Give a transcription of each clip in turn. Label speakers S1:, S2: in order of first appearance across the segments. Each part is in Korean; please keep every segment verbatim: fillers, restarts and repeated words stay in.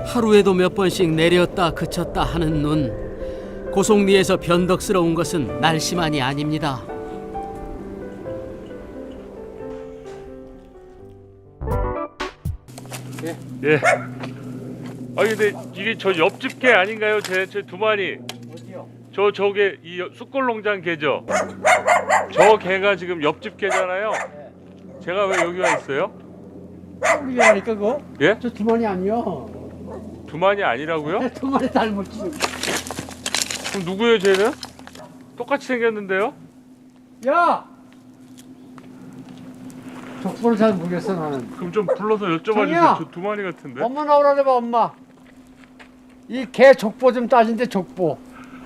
S1: 하루에도 몇 번씩 내렸다 그쳤다 하는 눈. 고속리에서 변덕스러운 것은 날씨만이 아닙니다.
S2: 예. 예. 아 근데 이게 저 옆집 개 아닌가요? 제 제 두 마리.
S3: 어디요?
S2: 저 저게 이 숯골농장 개죠. 저 개가 지금 옆집 개잖아요. 제가 왜 여기 와 있어요?
S3: 우리 하니까 그거?
S2: 예?
S3: 저 두 마리 아니요.
S2: 두 마리 아니라고요?
S3: 두 마리 닮았지.
S2: 그럼 누구예요, 쟤는? 똑같이 생겼는데요?
S3: 야! 족보를 잘 모르겠어 나는.
S2: 그럼 좀 불러서 여쭤봐
S3: 정이야!
S2: 주세요. 저 두 마리 같은데.
S3: 엄마 나오라 해봐 엄마. 이 개 족보 좀 따진대 족보.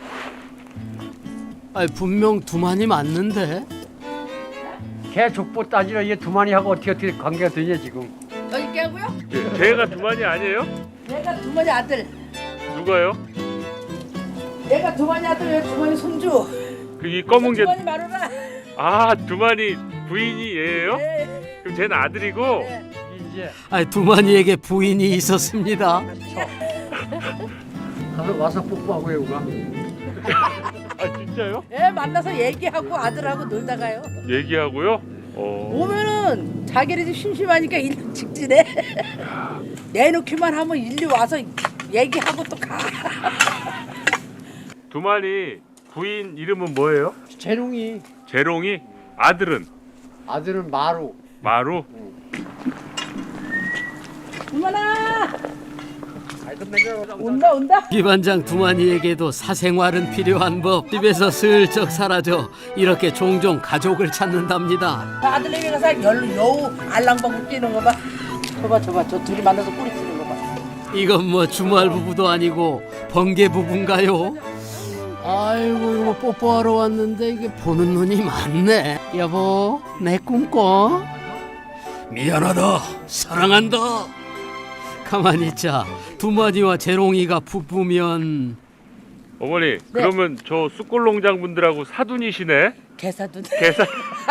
S1: 아니, 분명 두 마리 맞는데.
S3: 개 족보 따지라 이게 두 마리하고 어떻게 어떻게 관계가 되냐 지금.
S4: 저기 깨고요?
S2: 예, 걔가 두 마리 아니에요?
S4: 내가 두 마리 아들.
S2: 누가요?
S4: 내가 두 마리 아들, 얘 두 마리 손주.
S2: 그 이 검은 개.
S4: 두 마리 마누라.
S2: 아, 두 마리 부인이 얘예요?
S4: 네.
S2: 그럼 쟤는 아들이고.
S4: 네.
S3: 이제
S1: 아니, 두 마리에게 부인이 있었습니다.
S3: 가서 와서 뽀뽀하고 해오가.
S2: 아, 진짜요?
S4: 예, 만나서 얘기하고 아들하고 놀다가요.
S2: 얘기하고요? 어.
S4: 오면은 자기네 집 심심하니까 일로 직진해. 내놓기만 하면 일로 와서 얘기하고 또 가.
S2: 두 마리 부인 이름은 뭐예요?
S3: 재롱이
S2: 재롱이. 아들은
S3: 아들은 마루.
S2: 마루.
S4: 이만아. 온다 온다.
S1: 기반장 두 마리에게도 사생활은 필요한 법. 집에서 슬쩍 사라져 이렇게 종종 가족을 찾는답니다.
S4: 아들내미 가서 열로 여우 알랑방구 뛰는 거 봐. 저봐 저봐 저 둘이 만나서 꼬리 치는 거 봐.
S1: 이건 뭐 주말 부부도 아니고 번개 부부인가요? 아이고, 이거 뽀뽀하러 왔는데 이게 보는 눈이 많네. 여보, 내 꿈꿔. 미안하다, 사랑한다. 가만히 있자. 두 마리와 재롱이가 부부면
S2: 어머니, 그러면 저 숯골농장 분들하고 사돈이시네?
S4: 개사돈.
S2: 개사.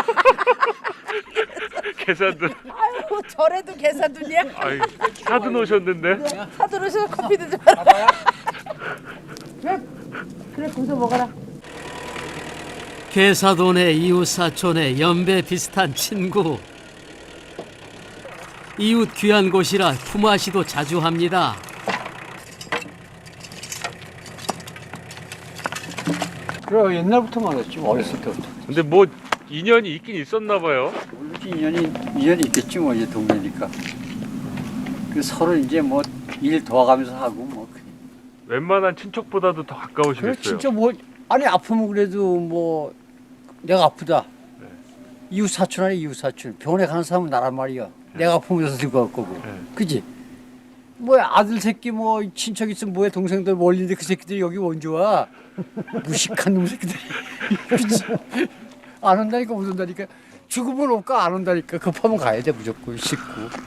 S2: 개사돈.
S4: 아유 저래도 개사돈이야.
S2: 아이, 사돈 오셨는데?
S4: 사돈 오셔서 커피도 좀 알아봐요. 그래 그래 거기서 먹어라.
S1: 개사돈의 이웃사촌의 연배 비슷한 친구. 이웃 귀한 곳이라 품앗이도 자주 합니다.
S3: 그래 옛날부터 말했지 어렸을 때부터.
S2: 근데 뭐 인연이 있긴 있었나 봐요.
S3: 모르지 인연이 인연이 있겠지 뭐 이제 동네니까. 그 서로 이제 뭐 일 도와가면서 하고 뭐.
S2: 웬만한 친척보다도 더 가까우시겠어요.
S3: 그래 진짜 뭐 아니 아프면 그래도 뭐 내가 아프다.
S2: 네.
S3: 이웃 사촌 아니 이웃 사촌 병원에 가는 사람은 나란 말이야.
S2: 네.
S3: 내가 아프면 여기서 들고 갈 거고.
S2: 네.
S3: 그지? 뭐 아들 새끼 뭐 친척 있으면 뭐해 동생들 멀리인데 그 새끼들이 여기 언제 와? 무식한 놈 새끼들이. 그치? 안 온다니까 못 온다니까. 죽으면 올까 안 온다니까. 급하면 가야 돼 무조건 씻고.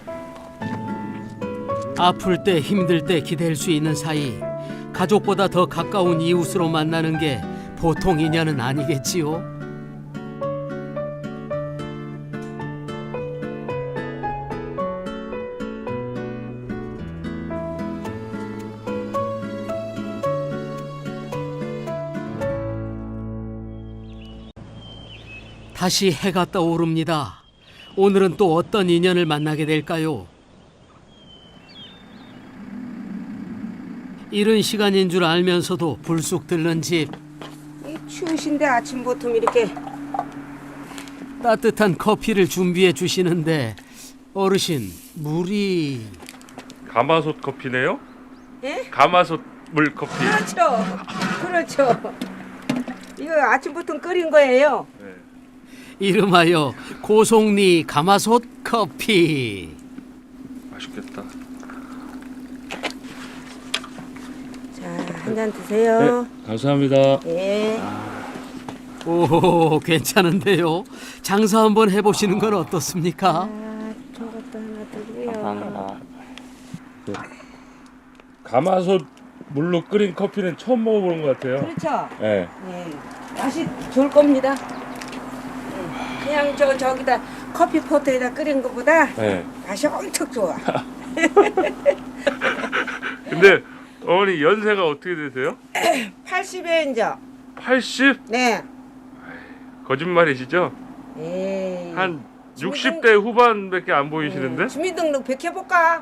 S1: 아플 때 힘들 때 기댈 수 있는 사이. 가족보다 더 가까운 이웃으로 만나는 게 보통 인연은 아니겠지요. 다시 해가 떠오릅니다. 오늘은 또 어떤 인연을 만나게 될까요? 이른 시간인 줄 알면서도 불쑥 들른 집.
S5: 이 추우신데 아침부터 이렇게
S1: 따뜻한 커피를 준비해 주시는데 어르신 물이
S2: 가마솥 커피네요?
S5: 예?
S2: 가마솥 물 커피.
S5: 그렇죠 그렇죠 이거 아침부터 끓인 거예요.
S2: 네.
S1: 이름하여 고속리 가마솥 커피.
S2: 맛있겠다.
S5: 자 한 잔 드세요.
S2: 감사합니다.
S5: 예.
S1: 오, 괜찮은데요. 장사 한번 해보시는 건 어떻습니까?
S5: 아, 저것도 하나 드고요.
S2: 가마솥 물로 끓인 커피는 처음 먹어보는 것 같아요.
S5: 그렇죠.
S2: 네.
S5: 예. 맛이 좋을 겁니다. 예. 그냥 저 저기다 커피 포트에다 끓인 것보다
S2: 네.
S5: 맛이 엄청 좋아.
S2: 근데 어머니 연세가 어떻게 되세요?
S5: 팔십에 이제.
S2: 팔십?
S5: 네.
S2: 거짓말이시죠?
S5: 에이.
S2: 한
S5: 주민등-
S2: 육십 대 후반밖에 안 보이시는데?
S5: 음, 주민등록 백해볼까?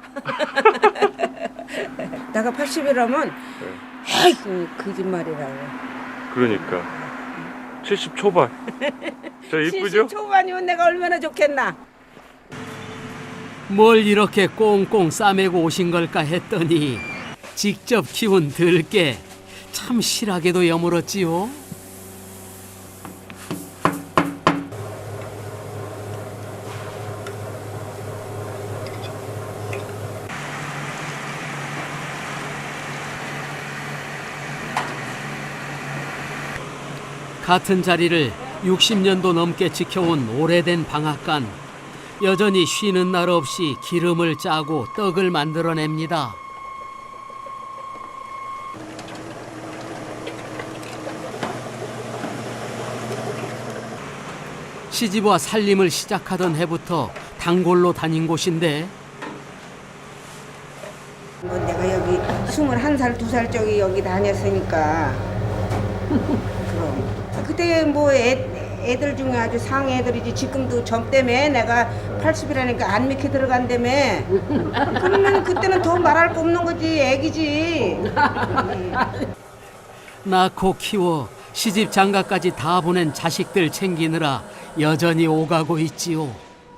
S5: 내가 팔십이라면 에이 거짓말이라고.
S2: 그러니까 칠십 초반. 저 이쁘죠?
S5: 칠십 초반이면 내가 얼마나 좋겠나.
S1: 뭘 이렇게 꽁꽁 싸매고 오신 걸까 했더니 직접 키운 들깨 참 실하게도 여물었지요. 같은 자리를 육십 년도 넘게 지켜온 오래된 방앗간. 여전히 쉬는 날 없이 기름을 짜고 떡을 만들어냅니다. 시집와 살림을 시작하던 해부터 단골로 다닌 곳인데
S5: 뭐 내가 여기 스물한 살, 두 살 적이 여기 다녔으니까. 그럼. 그때 뭐 애, 애들 중에 아주 상위 애들이지. 지금도 점 때문에 내가 팔십이라니까 안 믿게 들어간다며. 그러면 그때는 더 말할 거 없는 거지. 애기지.
S1: 낳고 키워 시집 장가까지 다 보낸 자식들 챙기느라 여전히 오가고 있지요.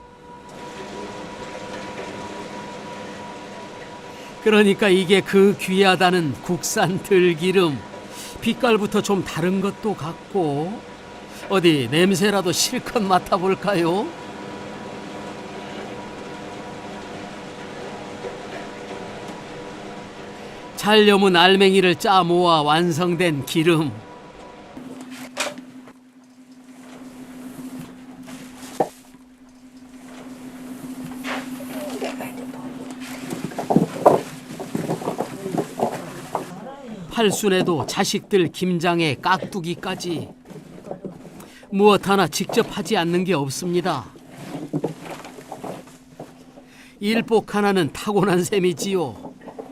S1: 그러니까 이게 그 귀하다는 국산 들기름. 빛깔부터 좀 다른 것도 같고 어디 냄새라도 실컷 맡아볼까요? 잘 여문 알맹이를 짜 모아 완성된 기름. 팔순에도 자식들 김장에 깍두기까지 무엇 하나 직접 하지 않는 게 없습니다. 일복 하나는 타고난 셈이지요.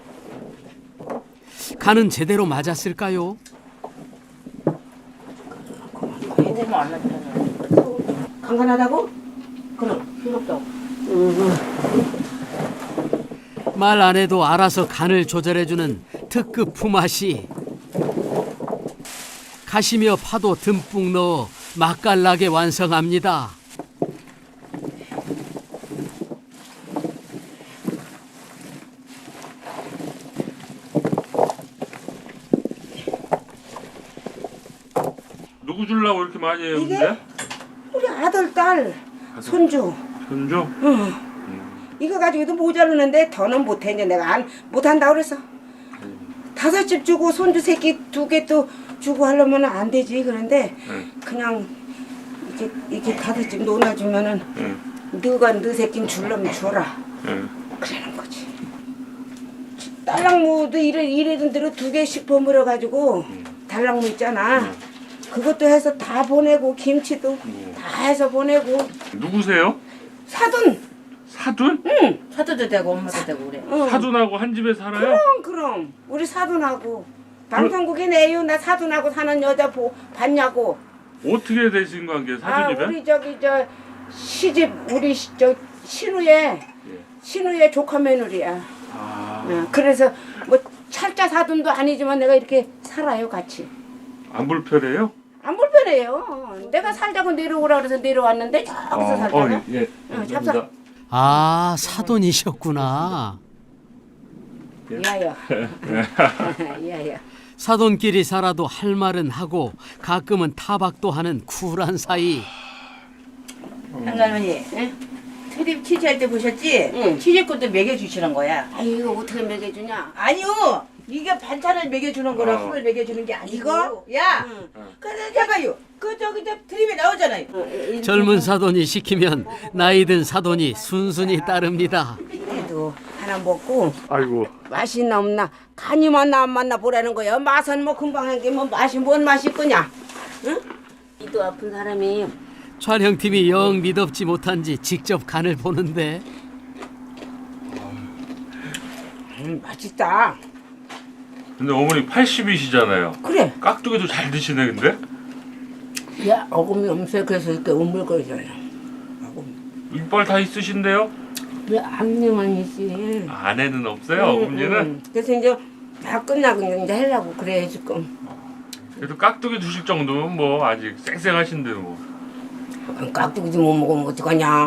S1: 간은 제대로 맞았을까요?
S5: 간간하다고?
S4: 그럼 필요 없다고.
S1: 말 안 해도 알아서 간을 조절해주는 특급 품앗이. 가시며 파도 듬뿍 넣어 맛깔나게 완성합니다.
S2: 누구 주려고 이렇게 많이 해요,
S5: 이게?
S2: 근데?
S5: 우리 아들, 딸, 손주.
S2: 손주?
S5: 이거 가지고도 모자르는데 더는 못해. 이제 내가 안 못한다고 그래서. 다섯 집 주고 손주 새끼 두 개 또 주고 하려면 안 되지. 그런데
S2: 응.
S5: 그냥 이렇게 이렇게 다섯 집 놓아주면은
S2: 응.
S5: 너가 너 새끼는 줄려면 줘라.
S2: 응.
S5: 그러는 거지. 딸랑무도 이래 이래던 대로 두 개씩 버무려 가지고 달랑무 있잖아. 그것도 해서 다 보내고 김치도 다 해서 보내고.
S2: 누구세요?
S5: 사돈.
S2: 사돈?
S5: 응.
S4: 사도도 되고 엄마도 되고 그래.
S5: 응.
S2: 사돈하고 한 집에 살아요?
S5: 그럼 그럼 우리 사돈하고 방송국에 내요. 나 사돈하고 사는 여자 보, 봤냐고.
S2: 어떻게 되신 관계,
S5: 아
S2: 사돈이면?
S5: 우리 저기 저 시집 우리 시- 저 신우의 신우의 조카 며느리야.
S2: 아,
S5: 어, 그래서 뭐 찰자 사돈도 아니지만 내가 이렇게 살아요 같이.
S2: 안 불편해요?
S5: 안 불편해요. 내가 살자고 내려오라 그래서 내려왔는데 저기서 살다가.
S2: 어, 예.
S5: 어,
S2: 감사합니다.
S1: 아, 사돈이셨구나.
S5: 야야. 야야.
S1: 사돈끼리 살아도 할 말은 하고 가끔은 타박도 하는 쿨한 사이.
S4: 한갈머니, 트립 취재할 때 보셨지?
S5: 응.
S4: 취재권도 먹여주시는 거야.
S5: 아 이거 어떻게 먹여주냐?
S4: 아니요, 이게 반찬을 먹여주는 거라
S2: 어.
S4: 술을 먹여주는 게 아니고.
S5: 이거?
S4: 야,
S5: 응.
S4: 그래 해봐요. 그 저기 저 트립에 나오잖아요.
S5: 어, 이-
S1: 젊은 사돈이 시키면 나이 든 사돈이 순순히 따릅니다.
S5: 그래도 하나 먹고
S2: 아이고.
S5: 맛이 있나 없나 간이 맞나 안 맞나 보라는 거야. 맛은 뭐 금방 한 게 뭐 맛이 뭔 맛이 있거냐? 응? 이도 아픈 사람이
S1: 촬영팀이 영 믿업지 못한지 직접 간을 보는데
S5: 음, 맛있다.
S2: 근데 어머니 팔십이시잖아요.
S5: 그래.
S2: 깍두기도 잘 드시네 근데?
S4: 야 어금니 없어요. 그래서 이렇게 우물거리잖아요.
S2: 이빨 다 있으신데요?
S4: 왜 앞니만 있지?
S2: 아내는 없어요?
S5: 응,
S2: 어머니는?
S5: 응. 그래서 이제 다 끝나고 이제 하려고 그래 지금.
S2: 그래도 깍두기 드실 정도면 뭐 아직 쌩쌩하신데 뭐.
S5: 깍두기도 못 먹으면 어떡하냐.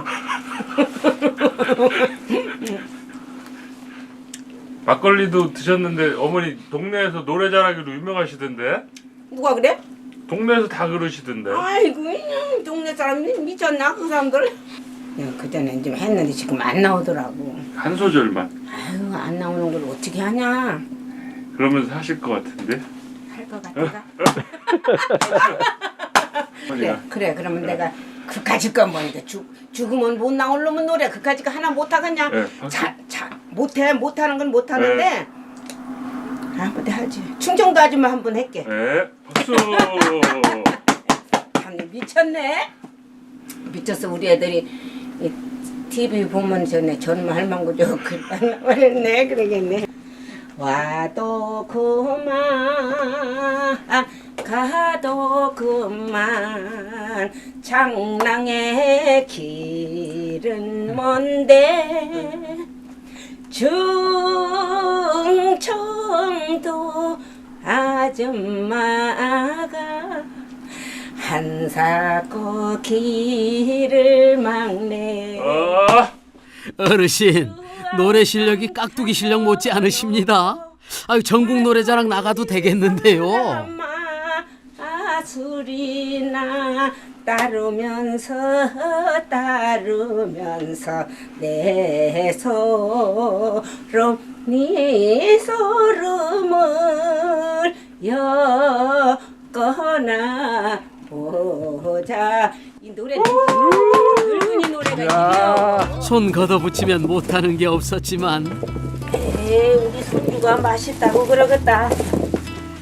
S2: 막걸리도 드셨는데 어머니 동네에서 노래 잘하기로 유명하시던데?
S5: 누가 그래?
S2: 동네에서 다 그러시던데.
S5: 아이고 그냥 동네 사람이 미쳤나 그 사람들. 그 전에 좀 했는데 지금 안 나오더라고.
S2: 한 소절만.
S5: 아유 안 나오는 걸 어떻게 하냐.
S2: 그러면서 하실 것 같은데?
S5: 할 것 같아. 그래 그래 그러면 내가 그까짓 거 뭔데 죽 죽으면 못 나올 놈은 노래 그까짓 거 하나 못 하겠냐?
S2: 네, 박수.
S5: 자자 못해 못하는 건 못 하는데 한번 하지. 충청도 아줌마 한 번 할게.
S2: 네, 박수.
S5: 참 미쳤네. 미쳤어 우리 애들이 이 티비 보면 전에 전마 할망구죠 그만 말했네 그러겠네. 와도 그만 가도 그만 장랑의 길은 먼데 충청도 아줌마가 한사코 길을 막네.
S2: 아,
S1: 어르신, 노래 실력이 깍두기 실력 못지 않으십니다. 아유, 전국 노래자랑 나가도 되겠는데요.
S5: 아, 술이나 따르면서 따르면서 내 소름 네 소름을 엮어나 보자. 이 노래 늙은이 노래가 있네요.
S1: 손 걷어붙이면 못하는 게 없었지만
S5: 에이 우리 손주가 맛있다고 그러겠다.